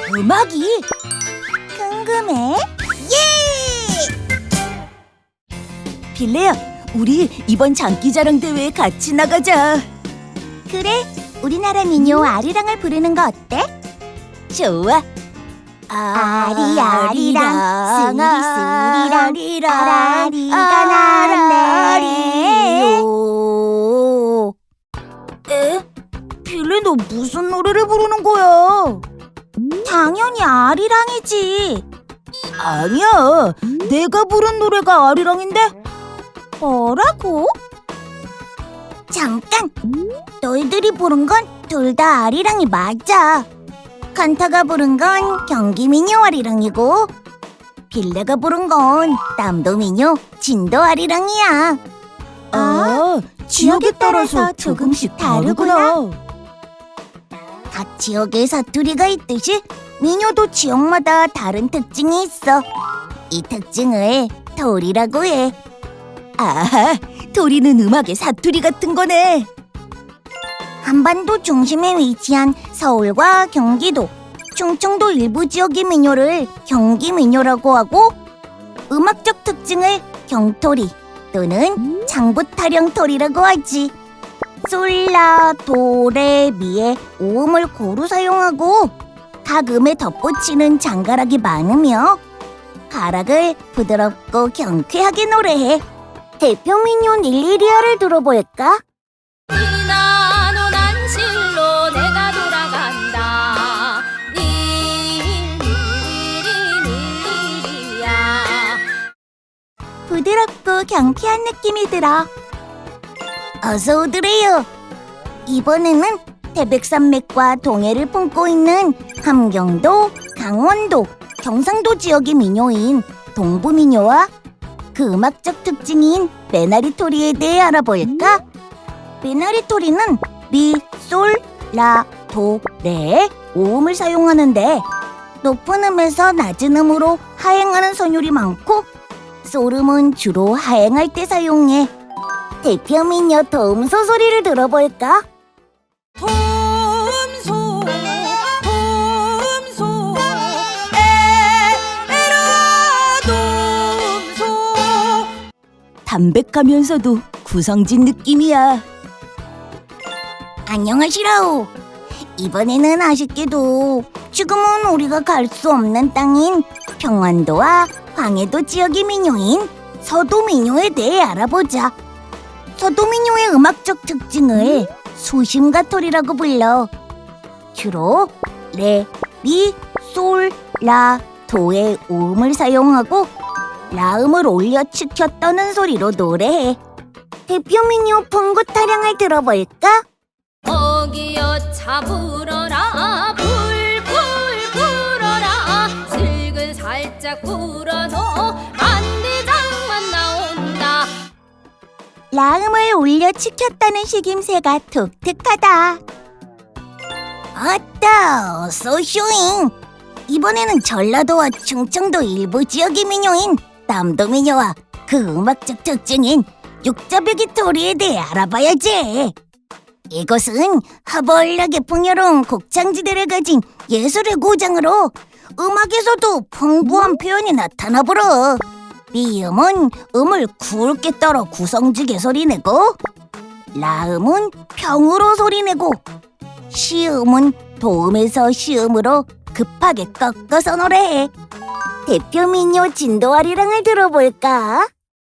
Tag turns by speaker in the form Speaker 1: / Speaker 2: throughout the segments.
Speaker 1: 음악이? 궁금해? 예! 빌레야, 우리 이번 장기자랑 대회에 같이 나가자. 그래, 우리나라 민요 아리랑을 부르는 거 어때? 좋아. 아리아리랑 스리스리랑 아라리가 날았네. 에? 빌레, 너 무슨 노래를 부르는 거야? 당연히 아리랑이지. 아니야, 내가 부른 노래가 아리랑인데? 뭐라고? 잠깐! 너희들이 부른 건 둘 다 아리랑이 맞아. 칸타가 부른 건 경기민요 아리랑이고 빌레가 부른 건 남도민요 진도 아리랑이야. 지역에 따라서 조금씩 다르구나. 각 지역에 사투리가 있듯이 민요도 지역마다 다른 특징이 있어. 이 특징을 도리라고 해. 아, 도리는 음악의 사투리 같은 거네. 한반도 중심에 위치한 서울과 경기도, 충청도 일부 지역의 민요를 경기민요라고 하고 음악적 특징을 경토리 또는 장부타령토리라고 하지. 솔라, 도, 레, 미의 오음을 고루 사용하고 각 음에 덧붙이는 장가락이 많으며 가락을 부드럽고 경쾌하게 노래해. 대표 민요 닐리리아를 들어볼까?
Speaker 2: 니나노난 실로 내가 돌아간다. 닐리리리리리야.
Speaker 1: 부드럽고 경쾌한 느낌이 들어. 어서 오드래요. 이번에는 태백산맥과 동해를 품고 있는 함경도, 강원도, 경상도 지역의 민요인 동부민요와 그 음악적 특징인 메나리토리에 대해 알아볼까? 메나리토리는 미, 솔, 라, 도, 레의 오음을 사용하는데 높은 음에서 낮은 음으로 하행하는 선율이 많고 솔음은 주로 하행할 때 사용해. 대표 민요 도움소 소리를 들어볼까?
Speaker 2: 돔소 돔소 에라 돔소.
Speaker 1: 담백하면서도 구성진 느낌이야. 안녕하시라오. 이번에는 아쉽게도 지금은 우리가 갈 수 없는 땅인 평안도와 황해도 지역의 민요인 서도민요에 대해 알아보자. 서도민요의 음악적 특징을 수심가토리라고 불러. 주로 레, 미, 솔, 라, 도의 오음을 사용하고 라음을 올려 치켜 떠는 소리로 노래해. 대표 민요 풍구타령을 들어볼까?
Speaker 2: 어기여 차 불어라 불불 불어라 슬근 살짝 불어서 만대장만 나온다.
Speaker 1: 라음을 올려 치켰다는 식임새가 독특하다. 아따, 어서 쇼잉. 이번에는 전라도와 충청도 일부 지역의 민요인 남도민요와 그 음악적 특징인 육자배기 토리에 대해 알아봐야지. 이곳은 허벌나게 풍요로운 곡창지대를 가진 예술의 고장으로 음악에서도 풍부한 표현이 나타나버려. 미음은 음을 굵게 떨어 구성지게 소리내고 라음은 평으로 소리내고 시음은 도음에서 시음으로 급하게 꺾어서 노래해. 대표 민요 진도아리랑을 들어볼까?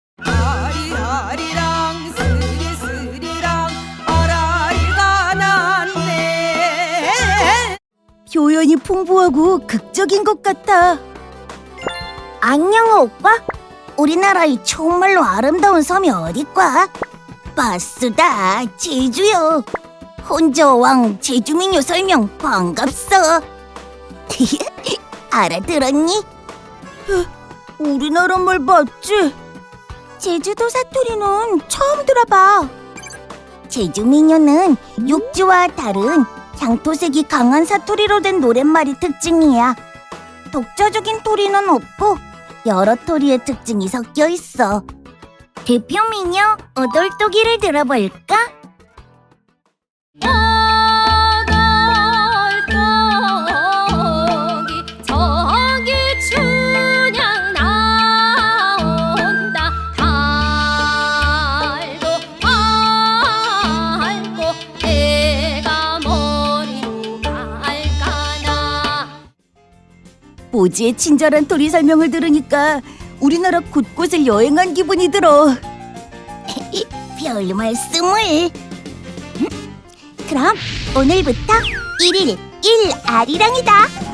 Speaker 2: 아리아리랑 스리스리랑 아라리가 났네.
Speaker 1: 표현이 풍부하고 극적인 것 같아. 안녕 오빠. 우리나라의 정말로 아름다운 섬이 어디과? 바스다, 제주요. 혼자왕 제주민요 설명 반갑소. 알아들었니? 우리나라 말 맞지? 제주도 사투리는 처음 들어봐. 제주민요는 육지와 다른 향토색이 강한 사투리로 된 노랫말이 특징이야. 독자적인 토리는 없고 여러 토리의 특징이 섞여 있어. 대표 민요 오돌토기를 들어볼까? 모지의 친절한 토리 설명을 들으니까 우리나라 곳곳을 여행한 기분이 들어. 별 말씀을. 그럼 오늘부터 1일 1아리랑이다.